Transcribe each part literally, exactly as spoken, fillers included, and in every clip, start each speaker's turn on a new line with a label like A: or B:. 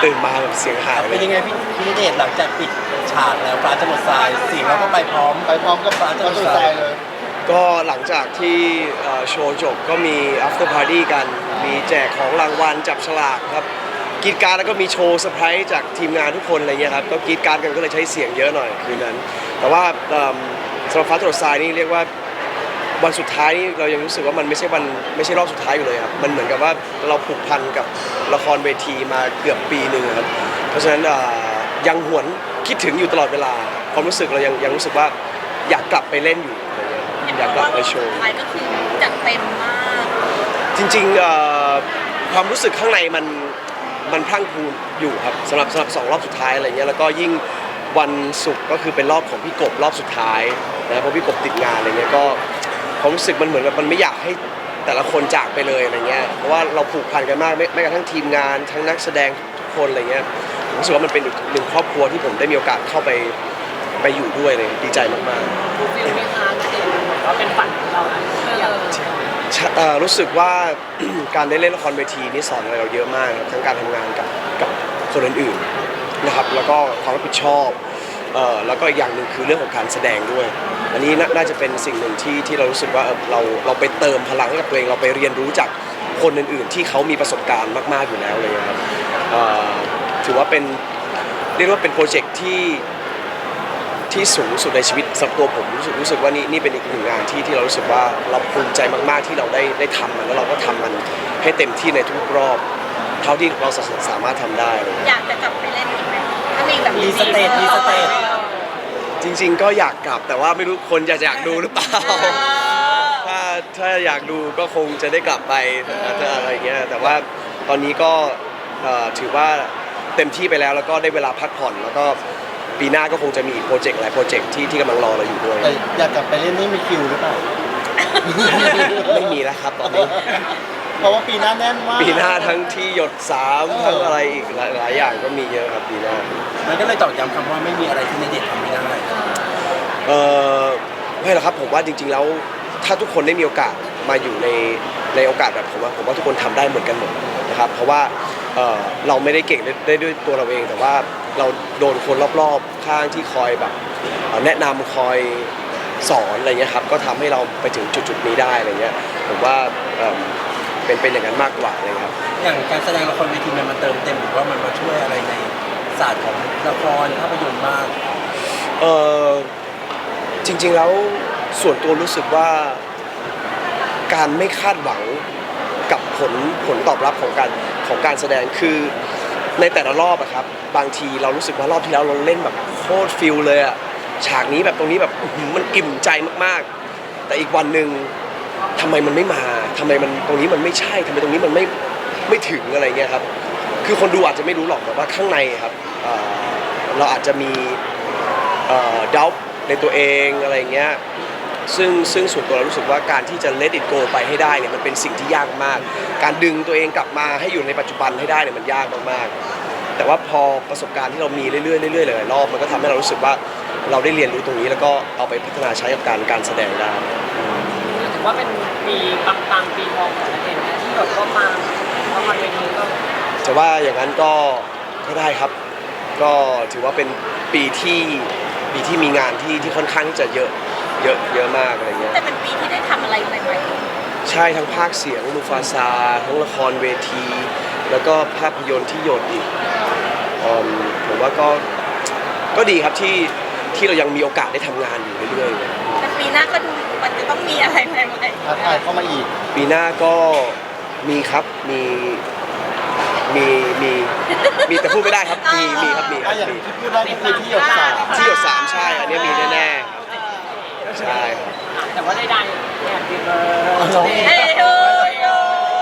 A: ตื่นมาแบบเสียงหายเล
B: เป็น
A: ย
B: ยังไงพี่พี่ณเดชน์หลังจากปิดฉากแล้วฟ้าจะหมดทรายเสียงเราก็ไปพร้อมไปพร้อมกับฟ้าจะหมดทรายเลย
A: ก็หลังจากที่เอ่อโชว์จบก็มี after party กัน มีแจกของรางวัลจับฉลากครับกรีดกรารแล้วก็มีโชว์เซอร์ไพรส์จากทีมงานทุกคนอะไรเงี้ยครับก็กรีดกรารกันก็เลยใช้เสียงเยอะหน่อยคืนนั้น แต่ว่าเอิ่มสำหรับฟ้าตรวจทรายนี่เรียกว่าวันสุดท้ายนี่เรายังรู้สึกว่ามันไม่ใช่วันไม่ใช่รอบสุดท้ายอยู่เลยครับมันเหมือนกับว่าเราผูกพันกับละครเวทีมาเกือบปีหนึ่งครับเพราะฉะนั้นเอ่อยังหวนคิดถึงอยู่ตลอดเวลาความรู้สึกเรายังยังรู้สึกว่าอยากกลับไปเล่นอยู่อะไรเงี้ยอยากกลับไปโชว์
C: ท้ายก็คือจัดเต็มมาก
A: จริงๆเอ่อความรู้สึกข้างในมันมันพรั่งพรูอยู่ครับสำหรับสำหรับสองรอบสุดท้ายอะไรเงี้ยแล้วก็ยิ่งวันศุกร์ก็คือเป็นรอบของพี่กบรอบสุดท้ายนะเพราะพี่กบติดงานอะไรเงี้ยก็ความรู้สึกมันเหมือนกับมันไม่อยากให้แต่ละคนจากไปเลยอะไรเงี้ยเพราะว่าเราผูกพันกันมากไม่ไม่กระทั่งทีมงานทั้งนักแสดงทุกคนอะไรเงี้ยผมรู้สึกว่ามันเป็นอีกหนึ่งครอบครัวที่ผมได้มีโอกาสเข้าไปไปอยู่ด้วยเลยดีใจมากๆ
D: ดูฟิลไหมคะณเดชน์เหมือนว่าเป็นฝันของเรานะอยาก
A: เอ่อรู้สึกว่า การได้เล่นละครเวทีนี่สอนอะไรเราเยอะมากครับทั้งการทำงานกับกับคนอื่นๆนะครับแล้วก็ความรับผิดชอบเอ่อแล้วก็อีกอย่างหนึ่งคือเรื่องของการแสดงด้วยอันนี้น่าน่าจะเป็นสิ่งหนึ่งที่ที่เรารู้สึกว่าเอ่อเราเราไปเติมพลังให้กับตัวเองเราไปเรียนรู้จากคนอื่นๆ ที่เขามีประสบการณ์มากๆอยู่แล้วเลยครับเอ่อถือว่าเป็นเรียกว่าเป็นโปรเจกต์ที่ที่สูงสุดในชีวิตสำหรับตัวผมรู้สึกรู้สึกว่านี่นี่เป็นอีกหนึ่งงานที่ที่เรารู้สึกว่าเราภูมิใจมากๆที่เราได้ได้ทำมันแล้วเราก็ทำมันให้เต็มที่ในทุกรอบเท่าที่เราสามารถทำได้เลย
C: อยากจะกลับไปเล่นอีกไหมถ้ามีแบบ
B: มีสเตจมีสเตจ
A: จริงๆก็อยากกลับแต่ว่าไม่รู้คนจะอยากดูหรือเปล่า ถ้าถ้าอยากดูก็คงจะได้กลับไปถ้าอะไรเงี้ยแต่ว่าตอนนี้ก็เอ่อถือว่าเต็มที่ไปแล้วแล้วก็ได้เวลาพักผ่อนแล้วก็ปีหน้าก็คงจะมีอีกโปรเจกต์หลายโปรเจกต์ที่ที่กำลังรอเราอยู่ด้วย
B: แต่อยากกลับไปเล่นนี่มีคิวหรือเปล่า
A: ไม่มีแล้วครับตอนนี้
B: เพราะว่าปีหน้าแน่นมาก
A: ปีหน้าทั้งที่หยดสามทั้งอะไรอีกหลายหลายอย่างก็มีเยอะครับปีหน้า
B: มันก็เลยตอกย้ำคำว่าไม่มีอะไรที่ณเดชน์ทำไม่ได้
A: เออไม่หรอกครับผมว่าจริง ๆ แล้วถ้าทุกคนได้มีโอกาสมาอยู่ในในโอกาสแบบผมว่าผมว่าทุกคนทำได้เหมือนกันหมดนะครับเพราะว่าเอ่อเราไม่ได้เก่งได้ได้ด้วยตัวเราเอง แต่ว่าเราโดนคนรอบๆข้างที่คอยแบบเอ่อแนะนำคอยสอนอะไรเงี้ยครับก็ทำให้เราไปถึงจุดๆนี้ได้อะไรเงี้ยผมว่าเอ่อเป็นเป็นอย่างนั้นมากกว่าเลยครับ
B: อย่างการแสดงละครเวทีมันมาเติมเต็มหรือว่ามันมาช่วยอะไรในศาสตร์ของละครภาพยนตร์มาก
A: เออจริงๆแล้วส่วนตัวรู้สึกว่าการไม่คาดหวังกับผลผลตอบรับของการของการแสดงคือในแต่ละรอบอะครับบางทีเรารู้สึกว่ารอบที่แล้วเราเล่นแบบโคตรฟิลเลยอะฉากนี้แบบตรงนี้แบบอื้อหือมันอิ่มใจมากๆ แต่อีกวันหนึ่งทำไมมันไม่มาทำไมมันตรงนี้มันไม่ใช่ทำไมตรงนี้มันไม่ไม่ถึงอะไรเงี้ยครับคือคนดูอาจจะไม่รู้หรอกแต่ว่าข้างในครับเอ่อเราอาจจะมีดาวในตัวเองอะไรเงี้ยซึ่งซึ่งส่วนตัวเรารู้สึกว่าการที่จะ let it go ไปให้ได้เนี่ยมันเป็นสิ่งที่ยากมากการดึงตัวเองกลับมาให้อยู่ในปัจจุบันให้ได้เนี่ยมันยากมากๆแต่ว่าพอประสบการณ์ที่เรามีเรื่อยๆเรื่อยๆหลายๆรอบมันก็ทำให้เรารู้สึกว่าเราได้เรียนรู้ตรงนี้แล้วก็เอาไปพัฒนาใช้กับการการแสดงได้
D: ถือว่าเป็นปีปังๆปีทองของณเดชน์นะที่แบบก็มาละครเวทีก็
A: จะว่าอย่างนั้นก็ก็ได้ครับ ก็ถือว่าเป็นปีที่ปีที่มีงานที่ที่ค่อนข้างที่จะเยอะเยอะเยอะมากอะไรเงี้ย
C: แต่เป็นปีที่ได้ทำอะไรใหม่
A: ใช่ทั้งภาคเสียงมูฟาซาทั้งละครเวที แล้วก็ภาพยนตร์ที่หยดอีกอืมผมว่าก็ก็ดีครับที่ที่เรายังมีโอกาสได้ทำงานอยู่เรื่อยๆ
C: ๆแต่ปีหน้าก็ดูมันจะต้องมีอะไรใหม่
B: ท้าทายเข้ามาอีก
A: ปีหน้าก็มีครับมีมีมีมีแต่พูดไม่ได้ครับมีมีครับมีค
B: อ่ะ
A: รับ
B: อย่าง
A: มี
B: ที่พูดได้ก็คือที่หยดสาม
A: ที่หยดสามใช่อันนี้มีแน่ๆใช่ครับ
D: แต่ว่าได้ๆเนี่ยปีเบอ
B: ร้อง
D: ร์
C: ๆ Hey to you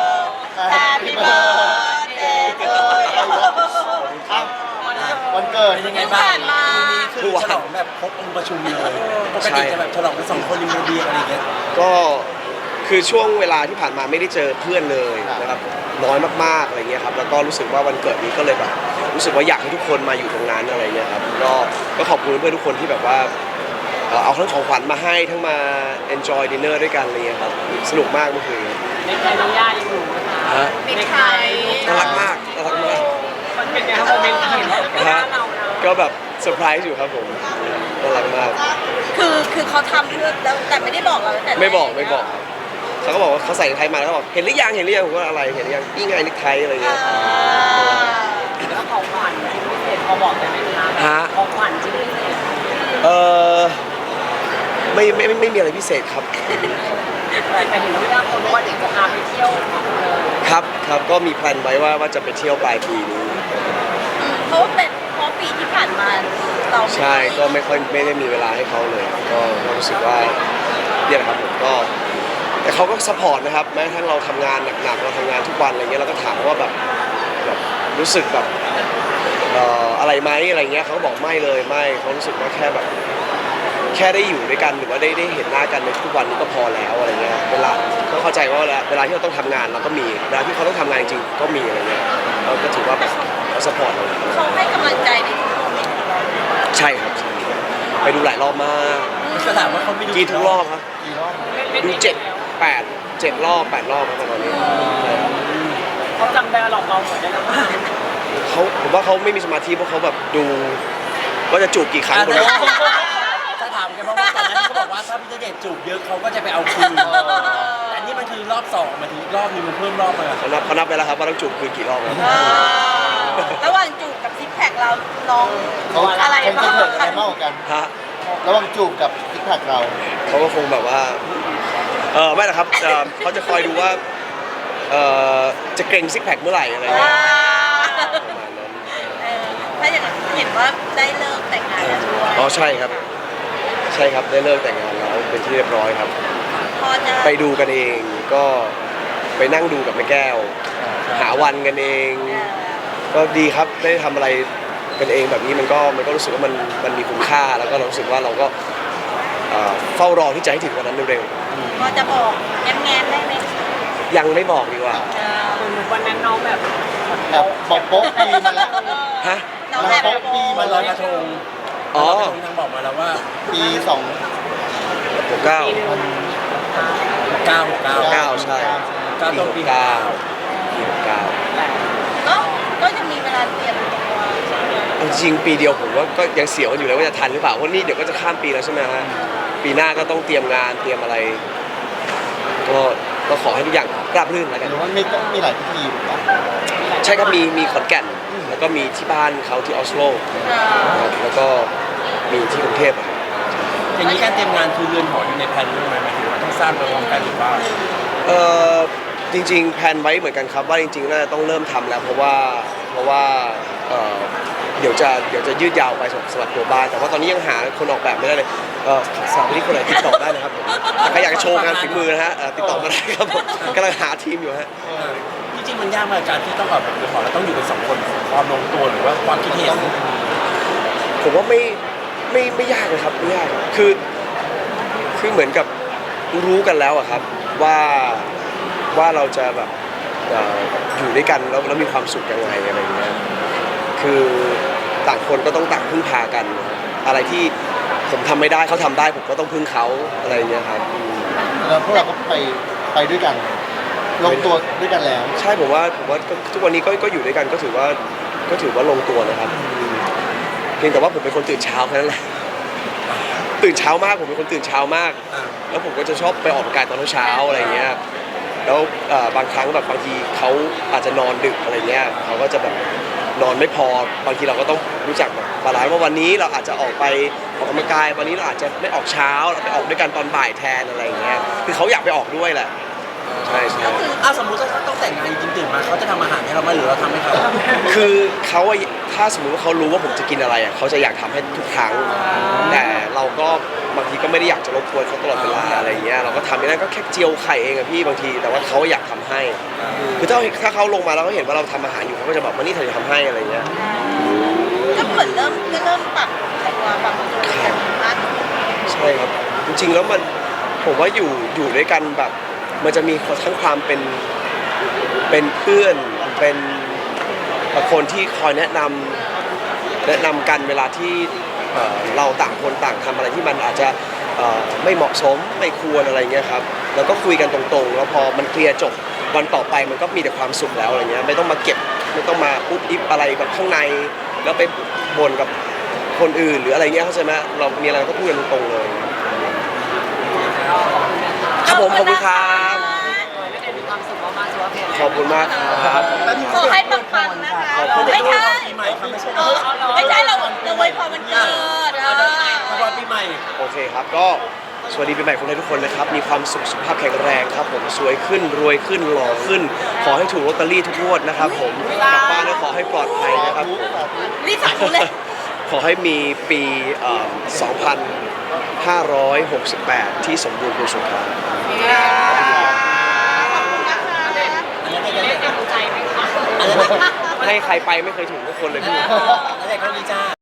C: Happy birthday to you
B: วันเกิด
C: เป็นยังไงบ้าง
B: คือฉลองแบบครบองค์ประชุมเลยปกติจะแบบฉลองกันสองคนริมระเบียงอะไรอย่างเงี้ย
A: ก็คือช่วงเวลาที่ผ่านมาไม่ได้เจอเพื่อนเลยนะครับน้อยมากๆอะไรเงี้ยครับแล้วก็รู้สึกว่าวันเกิดนี้ก็เลยแบบรู้สึกว่าอยากให้ทุกคนมาอยู่ตรงนั้นอะไรเงี้ยครับก็ก็ขอบคุณเพื่อนทุกคนที่แบบว่าเอ่อเอาทั้งของขวัญมาให้ทั้งมา enjoy dinner ด้วยกันอะไรเงี้ยครับสนุกมากเมื่อคืน
D: ในไทยน้องย่ายังอยู่นะคะ
A: ฮะ
C: ปิดไทย
A: น่ารักมากน่ารักมาก
D: มันเป็นไงครับ
A: ก็แบบเซอร์ไพรส์อยู่ครับผมน่ารักมาก
C: คือคือเขาทำเพื่อแล้วแต่ไม่ได้บอกเราตั้งแต่แร
A: ไม่บอกไม่บอกครับเขาก็บอกว่าเขาใส่เนคไทมาแล้วเขาบอกเห็นหรือยังเห็นหรือยังผมก็อะไรเห็นหรือยังนี่ไงเนคไทอะไร
C: อ่
A: เงี้ย
C: า
D: แล้วของขวัญชิ้นพิเศษพอบอกได้ไหมคะ
A: ฮะ
D: ของขวัญชิ้นพิเศษ
A: เออไม่ไม่ไม่ไม่มีอะไรพิเศษครับ
D: แต่แต่เห็นว่าคนว่าเด็กจะพาไปเที่ยวเลย
A: ครับครับก็มีแพลนไว้ว่าว่าจะไปเที่ยวปลายปีนี้
C: เพราะว่าเป็นเพราะปีที่ผ่านมาเราไม่
A: ใช่
C: ค่อย
A: ก็ไม่ค่อยไม่ได้มีเวลาให้เขาเลย ก็ก็รู้สึกว่าเนี่ยแหละครับผมก็แต่เขาก็สปอร์ตนะครับแม้กระทั่งเราทำงานหนักๆเราทำงานทุกวันอะไรเงี้ยเราก็ถามว่าแบบแบบรู้สึกแบบเอ่ออะไรไหมอะไรเงี้ยเขาก็บอกไม่เลยไม่เขารู้สึกว่าแค่แบบ แค่ได้อยู่ด้วยกันหรือว่าได้ได้เห็นหน้ากันในทุกวันนี้ก็พอแล้วอะไรเงี้ยเวลาก็เข้าใจว่าเวลาเวลาที่เราต้องทำงานเราก็มีเวลาที่เขาต้องทำงานจริงๆก็มีอะไรเงี้ยเราก็ถือว่าแบบเขาสปอร์ตเรา
C: เขาให้กำลังใจในทุกโมเมนต์ของเรา
A: ใช่ครับใช่ไปดูหลายรอบมาก
B: ก็ถามว่าเขาไม่ดู
A: กี่ทุกรอบครับ
B: กี่รอบ
A: ดูเจ็ดแปดเจ็ดรอบแปดรอบครับตอนนี้ใช่ครับ
D: เขาจำได้หลอกเราหมดได้แล้วมั้ง
A: เขาผมว่าเขาไม่มีสมาธิเพราะเขาแบบดูว่าจะจูบกี่ครั้ง
B: อ่ะ
A: คน
B: เดี๋ยว
A: ละ
B: จะถามกันเพราะว่าก่อนหน้านี้เขาบอกว่าถ้าพี่ณเดชน์จูบเยอะเขาก็จะไปเอาคืนแต่อันนี่มันคือรอบสองมาถึงอีกรอบนึงมันเพิ่มรอบมา
A: เขานับเขานับไปแล้วครับว่าต้องจูบคืนกี่รอบครับ
C: เออระหว่างจูบกับซิกแพคเราน้อง
E: เขา
C: อะไร
E: คง
C: บ้า
E: จะ
C: ง
E: เกิดอะไรมากกว่ากัน
A: ฮะ
E: ระหว่างจูบกับซิกแพคเรา
A: เขาก็คงแบบว่า เออไม่หรอกครับเอ่อเขาจะคอยดูว่า เออจะเกรงซิกแพคเมื่อไหร่อะไร
C: อ่า
A: เงี้ยประมาณนั้น
C: เออถ้าอย่างนั้นเห็นว่าได้เลิกแต่งงานแล้วด้วย
A: อ๋อใช่ครับ ใช่ครับได้เลิกแต่งงานแล้วเป็นที่เรียบร้อยครับ
C: พอจะ
A: ไปดูกันเองก็ไปนั่งดูกับแม่แก้ว หาวันกันเอง
C: เออ
A: ก็ดีครับได้ทำอะไรกันเองแบบนี้มันก็มันก็รู้สึกว่ามันมันมีคุณค่าแล้วก็เรารู้สึกว่าเราก็เอ่อเฝ้ารอที่จะให้ถึงวันนั้นเร็ว
C: พอจะบอกแง้มแง้มๆได้ไหม
A: ๆยังไม่บอกดีกว่า
C: เออ
D: เหมือนวันนั้นน้องแบบ
E: แบบบอกโป๊ะปีมาแล้ว
A: ฮะ
C: น้องแอบ
E: เราปี
B: มันลอยกระทง
A: อ๋อ
B: ลอยกระทงทางบอกมาแล้วว่า
E: ปีสอง
A: หกเก้า
D: ปีหนึง
B: เก้าหกเก้า
A: เก้าใช่
B: เก้า
A: ปี
B: ต้น
A: ห
B: ปี
A: กเก้าปีหกเก้า
C: ก็ก็ยังมีเวลาเตรียมตัว
A: เอาจริงปีเดียวผมว่าก็ยังเสียวกันอยู่เลยว่าจะทันหรือเปล่าเพราะนี่เดี๋ยวก็จะข้ามปีแล้วใช่ไหมฮะปีหน้าก็ต้องเตรียมงานเตรียมอะไร ก็ก็ขอให้ทุกอย่างราบรื่นแล้วกัน
E: หรือว่ามีมีหลายพิธีถูกปะ
A: ใช่ครับมีมีขอนแก่นแล้วก็มีที่บ้านเขาที่ออสโล
C: เออ
A: ครับแล้วก็มีที่กรุงเทพอะครับ
B: อย่างนี้การเตรียมงานคือเรือนหออยู่ในแผนด้วยไหมหมายถึงว่าต้องสร้างไปพร้อมกันหรือว่า
A: เออจริงๆแพลนไว้เหมือนกันครับว่าจริงๆน่าจะต้องเริ่มทำแล้วเพราะว่าเพราะว่าเอ่อเดี๋ยวจะเดี๋ยวจะยืดยาวไปสำหรับตัวบ้านแต่ว่าตอนนี้ยังหาคนออกแบบไม่ได้เลยเออสาวที่คนไหนติดต่อได้นะครับผมใครอยากจะโชว์งานฝีมือนะฮะเอ่อติดต่อมาได้ครับผมกำลังหาทีมอยู่ฮะ
B: จริงๆมันยากมากการที่ต้องแบบเรือนหอแล้วต้องอยู่กันสองคนความลงตัวหรือว่าความคิดเห็น
A: ผมว่าไม่ไม่ไม่ยากเลยครับไม่ยากคือคือเหมือนกับรู้กันแล้วอะครับว่าว่าเราจะแบบเอ่ออยู่ด้วยกันแล้วแล้วมีความสุขยังไงอะไรอย่างเงี้ยคือต่างคนก็ต้องต่างพึ่งพากันนะครับอะไรที่ผมทำไม่ได้เขาทำได้ผมก็ต้องพึ่งเขาอะไรอย่างเงี้ยครับอืม
E: แล้วพวกเราก็ไปไปด้วยกัน ลงตัวด้วยกันแล้ว
A: ใช่ผมว่าผมว่าก็ทุกวันนี้ก็ก็อยู่ด้วยกันก็ถือว่าก็ถือว่าลงตัวนะครับอืมเพียงแต่ว่าผมเป็นคนตื่นเช้าแค่นั้นแหละตื่นเช้ามากผมเป็นคนตื่นเช้ามาก แล้วผมก็จะชอบไปออกกำลังกายตอนเช้าๆอะไรเงี้ย แล้วเอ่อบางครั้งแบบบางทีเขาอาจจะนอนดึกอะไรเงี้ยเขาก็จะแบบนอนไม่พอบางทีเราก็ต้องรู้จักแบบบาลานซ์ว่าวันนี้เราอาจจะออกไปออกกำลังกายวันนี้เราอาจจะไม่ออกเช้าเราไปออกด้วยกันตอนบ่ายแทนอะไรเงี้ยคือเขาอยากไปออกด้วยแหละใช่ใช่
C: ก็คือ
B: อ้าวสมมุติถ้าเขาต้องแต่งงานจริงๆตื่นมาเขาจะทำอาหารให้เราไหมหรือเราทำให้เขา
A: คือเขาอะถ้าสมมติว่าเขารู้ว่าผมจะกินอะไรอะเขาจะอยากทำให้ทุกครั้ง แต่เราก็บางทีก็ไม่ได้อยากจะรบกวนเขาตลอดเวลาอะไรเงี้ยเราก็ทำไม่ได้ก็แค่เจียวไข่เองอะพี่บางทีแต่ว่าเขาอยากทำให้ คือถ้าถ้าเขาลงมาแล้วเขาเห็นว่าเราทำอาหารอยู่เขาก็จะบอกว่านี่เธอจะทำให้อะไรเงี้ย
C: ก็เหมือนเริ่มก็เริ่มปรับตัวปรับตัวกันมากขึ้น
A: ใช่ครับจริงๆแล้วมันผมว่าอยู่อยู่ด้วยกันแบบมันจะมีทั้งความเป็นเป็นเพื่อนเป็นคนที่คอยแนะนำแนะนำกันเวลาที่เอ่อเราต่างคนต่างทำอะไรที่มันอาจจะเอ่อไม่เหมาะสมไม่ควรอะไรเงี้ยครับแล้วก็คุยกันตรงๆ แล้วพอมันเคลียร์จบวันต่อไปมันก็มีแต่ความสุขแล้วอะไรเงี้ยไม่ต้องมาเก็บไม่ต้องมาอุ๊บอิบอะไรกับข้างใน แล้วไปบ่นกับคนอื่นหรืออะไรเงี้ยเข้าใจไหมเรามีอะไรเราก็พูดกันตรงๆเลยครับผมขอบคุณครับ
D: ขอให้ณเดชน์มีความสุขมากๆสุขภาพแข็งแรง
A: ขอบคุณมากครับ
C: ขอให้ปังๆนะคะ
A: ขอบคุณ
C: ไม่ใช่
B: ปีใหม่ครับไม่ใช่
C: เออไม่ใช่เราเราไว้พรมันเกิดเออ
B: พรปีใหม่
A: โอเคครับก็สวัสดีปีใหม่คนไทยทุกคนนะครับมีความสุขสุขภาพแข็งแรงครับผมสวยขึ้นรวยขึ้นหล่อขึ้น ขอให้ถูกลอตเตอรี่ทุกงวดนะครับผมกลับบ้านแล้วขอให้ปลอดภัยนะครับผม
C: รีบสาธุเลย
A: ขอให้มีปีเอ่อสองพันห้าร้อยหกสิบแปดที่สมบูรณ์บริสุทธิ์ครับ
D: มีเลขในหัวใจไหมคะ
A: ให้ใครไปไม่เคยถูกทุกคนเลยพี่
B: แล้วเด็กเขาดีจ้า